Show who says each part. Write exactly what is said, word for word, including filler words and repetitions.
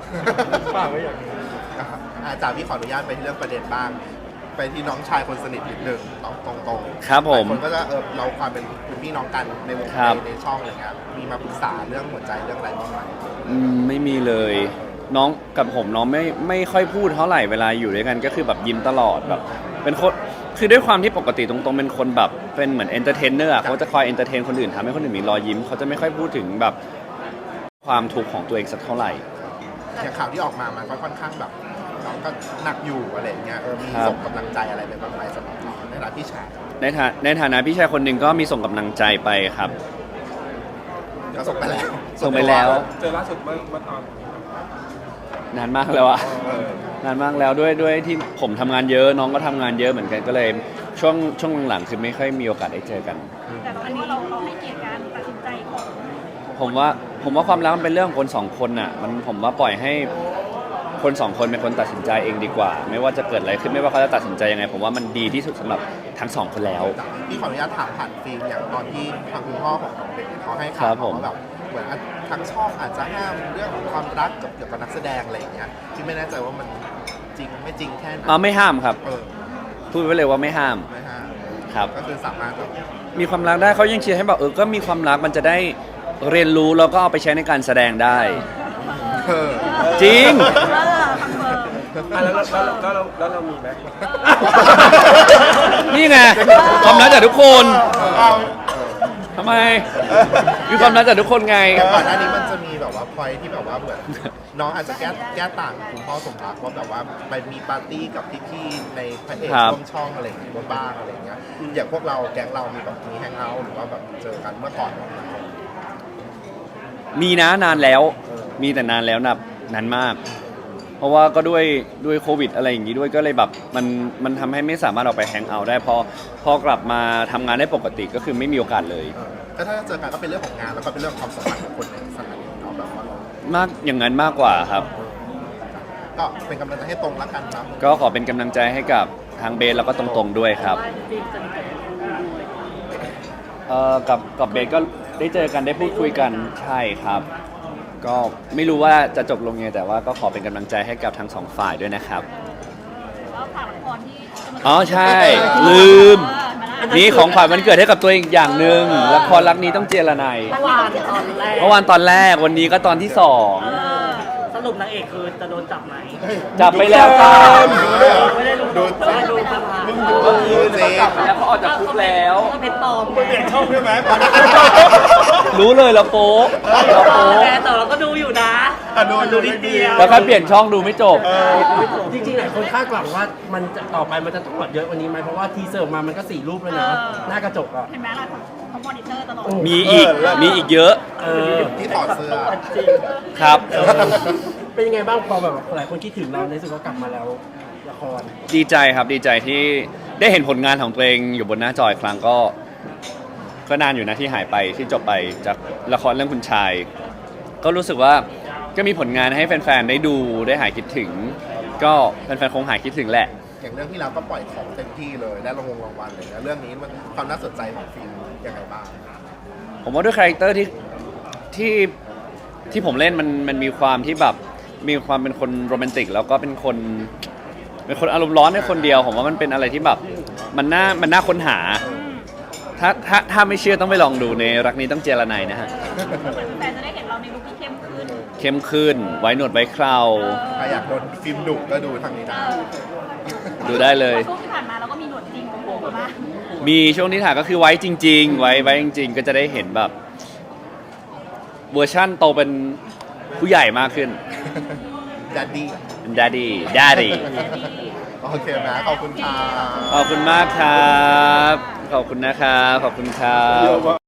Speaker 1: ฝากไว้อย่างนี้
Speaker 2: อาจารย์พี่ขออนุญาตไปที่เรื่องประเด็นบ้างไปที่น้องชายคนสนิทนิดหนึ่งตรงตรงๆ
Speaker 3: ครับผม
Speaker 2: หลายคนก็จะเออเราความเป็นคุณพี่น้องกันในวง
Speaker 3: ครับ
Speaker 2: ในช่องอะไรเงี้ยมีมาปรึกษาเรื่องหัวใจเรื่องอะไรบ้างไหม
Speaker 3: อืมไม่มีเลย น้องกับผมน้องไม่ไม่ค่อยพูดเท่าไหร่เวลาอยู่ด้วยกันก็คือแบบยิ้มตลอดแบบเป็นคนคือด้วยความที่ปกติตรงๆเป็นคนแบบเป็นเหมือนเอนเตอร์เทนเนอร์เขาจะคอยเอนเตอร์เทนคนอื่นทำให้คนอื่นมีรอยยิ้มเขาจะไม่ค่อยพูดถึงแบบความทุกข์ของตัวเองสักเท่าไหร่
Speaker 2: อย่างข่าวที่ออกมามันก็ค่อนข้างแบบน้องก็หนักอยู่อะไรเงี้ยเออมี
Speaker 3: ครับ
Speaker 2: ส่งกำลังใจอะไรไปบ้างไหมสำหรับน้องในฐานะพี่ชาย
Speaker 3: ในฐาในฐานะพี่ชายคนหนึ่งก็มีส่งกำลังใจไปครับ
Speaker 2: ก็ส่งไปแล้ว
Speaker 3: ส่งไปแล้ว
Speaker 1: เจอล่าสุดเมื่อเมื่อตอน
Speaker 3: นานมากแล้วอะ
Speaker 2: เออน
Speaker 3: านมากแล้วด้วยด้วยที่ผมทำงานเยอะน้องก็ทำงานเยอะเหมือนกันก็เลยช่วงช่วงหลังๆคือไม่ค่อยมีโอกาสได้เจอกัน
Speaker 4: แต่ตอนนี้เราเราให้เกียรติการตัดสินใจของ
Speaker 3: ผมว่าผมว่าความรักมันเป็นเรื่องของคนสองคนน่ะมันผมว่าปล่อยให้คนสองคนเป็นคนตัดสินใจเองดีกว่า ไม่ว่าจะเกิดอะไรขึ้นไม่ว่าเขาจะตัดสินใจยังไง ผมว่ามันดีที่สุดสำหรับทั้งสองคนแล้ว
Speaker 2: พี่ขออนุญาตถามผ่านฟิล์มอย่างตอนที่ทางคุณพ่อของน้องเด็กเขาให้
Speaker 3: ครั
Speaker 2: ข่าว
Speaker 3: บผม
Speaker 2: ว่าแบบเหมือนทางช่องอาจจะห้ามเรื่องของความรักกับเกี่ยวกับนักแสดงอะไรอย่างเงี้ยที่ไม่แน่ใจว่ามันจริงไม่จริงแค่ไหน
Speaker 3: อ่าไม่ห้ามครับ
Speaker 2: เออ
Speaker 3: พูดไว้เลยว่าไม่ห้าม
Speaker 2: ไม่ห้าม
Speaker 3: ครับ
Speaker 2: ก็คือสามารถแบบ
Speaker 3: มีความรักได้เขายังเชียร์ให้แบบเออก็มีความรักมันจะได้เรียนรู้แล้วก็เอาไปใช้ในการแสดงได้
Speaker 2: เออ
Speaker 3: จริง
Speaker 4: เออคอนเฟิร์ม
Speaker 1: อ่ะแล้วแล้วแล้วแล้วแล้วเรามีไหม
Speaker 3: นี่ไงความรักจากทุกคน
Speaker 2: เอา
Speaker 3: ทำไมมีความรักจากทุกคนไง
Speaker 2: แต่ก่อนหน้านี้มันจะมีแบบว่าพอยที่แบบว่าเหมือนน้องอาจจะแก้แก้ต่างคุณพ่อสมรักว่าแบบว่าไปมีปาร์ตี้กับพี่ๆในพระเอก
Speaker 3: ครับ
Speaker 2: ร่วมช่องอะไรอย่างเงี้ยบ้างอะไรอย่างเงี้ยอย่างพวกเราแก๊งเรามีแบบมีแฮงเอาท์หรือว่าแบบเจอกันเมื่อก่อนไหม
Speaker 3: มีนะนานแล้ว มีแต่นานแล้วนับนานมาก เพราะว่าก็ด้วยด้วยโควิดอะไรอย่างนี้ด้วยก็เลยแบบมันมันทำให้ไม่สามารถออกไปแฮงเอาท์ได้พอพอกลับมาทำงานได้ปกติก็คือไม่มีโอกาสเลย
Speaker 2: เออก็ถ้าเจอกันก็เป็นเรื่องของงานแล้วก็เป็นเรื่องของความสัมพันธ์ของคนในสถานีเนาะแบบว่าเรา
Speaker 3: มากอย่างนั้นมากกว่าครับ
Speaker 2: ก็เป็นกำลังใจให้ตรงแล้วกันนะ
Speaker 3: ก็ขอเป็นกำลังใจให้กับทางเบสแล้วก็ตรงๆด้วยครับเอ่อกับกับเบสก็ได้เจอกันได้พูดคุยกันใช่ครับ ก็ไม่รู้ว่าจะจบลงยังไงแต่ว่าก็ขอเป็นกำลังใจให้กับทั้งสองฝ่ายด้วยนะครับ
Speaker 4: แล้วฝากละครที่จะมา
Speaker 3: อ๋อใช่ ลืม นี่ของขวัญวันเกิดให้กับตัวเองอย่างหนึ่งละครรักนี้ต้องเจรไนย
Speaker 5: เมื่อวานตอนแรก
Speaker 3: เมื่อวานตอนแรกวันนี้ก็ตอนที่สอง
Speaker 5: สรุปนางเอกคือจะโดนจับไหม
Speaker 3: จับไปแล้วครับ
Speaker 5: ไม่ได้รู้
Speaker 2: ดู
Speaker 5: ไม่ได้รู้ครับ
Speaker 2: ดูสิ
Speaker 3: จับไปแล้วเขาออกจากคุกแล้ว
Speaker 5: ก็เป็นปลอม
Speaker 1: เปลี่ยนช่องใช่ไหม
Speaker 3: รู้เลยเราโป๊ะเราโป๊ะ
Speaker 5: แต่แต่เราก็ดูอยู่นะ
Speaker 2: อ่ะดู
Speaker 5: มันดูนิดเดียว
Speaker 3: แล้วก็เปลี่ยนช่องดูไม่จบ
Speaker 6: จริงๆหลายคนคาดหวังว่ามันจะต่อไปมันจะต้องเยอะกว่านี้ไหมเพราะว่าทีเซอร์ออกมามันก็สี่รูปแล้วนะ หน้ากระจกอ่ะ
Speaker 4: เห็นไหมล่ะเขามอนิเตอร์ตลอด
Speaker 3: มีอีกมีอีกเยอะ
Speaker 6: เออ
Speaker 2: ที่ถอดเสื้อ
Speaker 5: จริง
Speaker 3: ครับ
Speaker 6: เป็นยังไงบ้างพอแบบหลายคนคิดถึงเราในสุดก็กลับมาแล้วละคร
Speaker 3: ดีใจครับดีใจที่ได้เห็นผลงานของตัวเองอยู่บนหน้าจออีกครั้งก็ ก็นานอยู่นะที่หายไปที่จบไปจากละครเรื่องคุณชาย ก็รู้สึกว่าก็มีผลงานให้แฟนๆได้ดูได้หายคิดถึง ก็แฟนๆคงหายคิดถึงแหละ
Speaker 2: อย่างเรื่องที่เราก็ปล่อยของเต็มที่เลยได้รางวงรางวัลเลยนะเรื่องนี้มันความน่าสนใจของฟิล์มยังไงบ้าง
Speaker 3: ผมว่าด้วยคาแรคเตอร์ที่ที่ที่ผมเล่นมันมันมีความที่แบบมีความเป็นคนโรแมนติกแล้วก็เป็นคนเป็นคนอารมณ์ร้อนในคนเดียวผมว่ามันเป็นอะไรที่แบบมันน่ามันน่าค้นหา ถ้าถ้าถ้าไม่เชื่อต้องไปลองดูในรักนี้ต้องเจรไนยนะฮะ
Speaker 4: แฟนจะได้เห็นเราในลุคที่เข้มขึ้น
Speaker 3: เข้มขึ้นไว้หนวดไว้เครา
Speaker 2: ใครอยากโดนฟิล์มดุก็ดูทางนี้ได้
Speaker 3: ดูได้เลย
Speaker 4: ช่วงที่ผ่านมาเราก็มีหนวดจริงของผมมา
Speaker 3: มีช่วงที่ถ่ายก็คือไว้จริง ๆ ไว้ไว้จริง ๆ ก็จะได้เห็นแบบเวอร์ชั่นโตเป็นผู้ใหญ่มากขึ้น
Speaker 2: ดัดดี้
Speaker 3: เป็น daddy daddy
Speaker 2: โอเคไหมขอบคุณค่ะ
Speaker 3: ขอบคุณมากครับ ขอบคุณนะครับ ขอบคุณครับ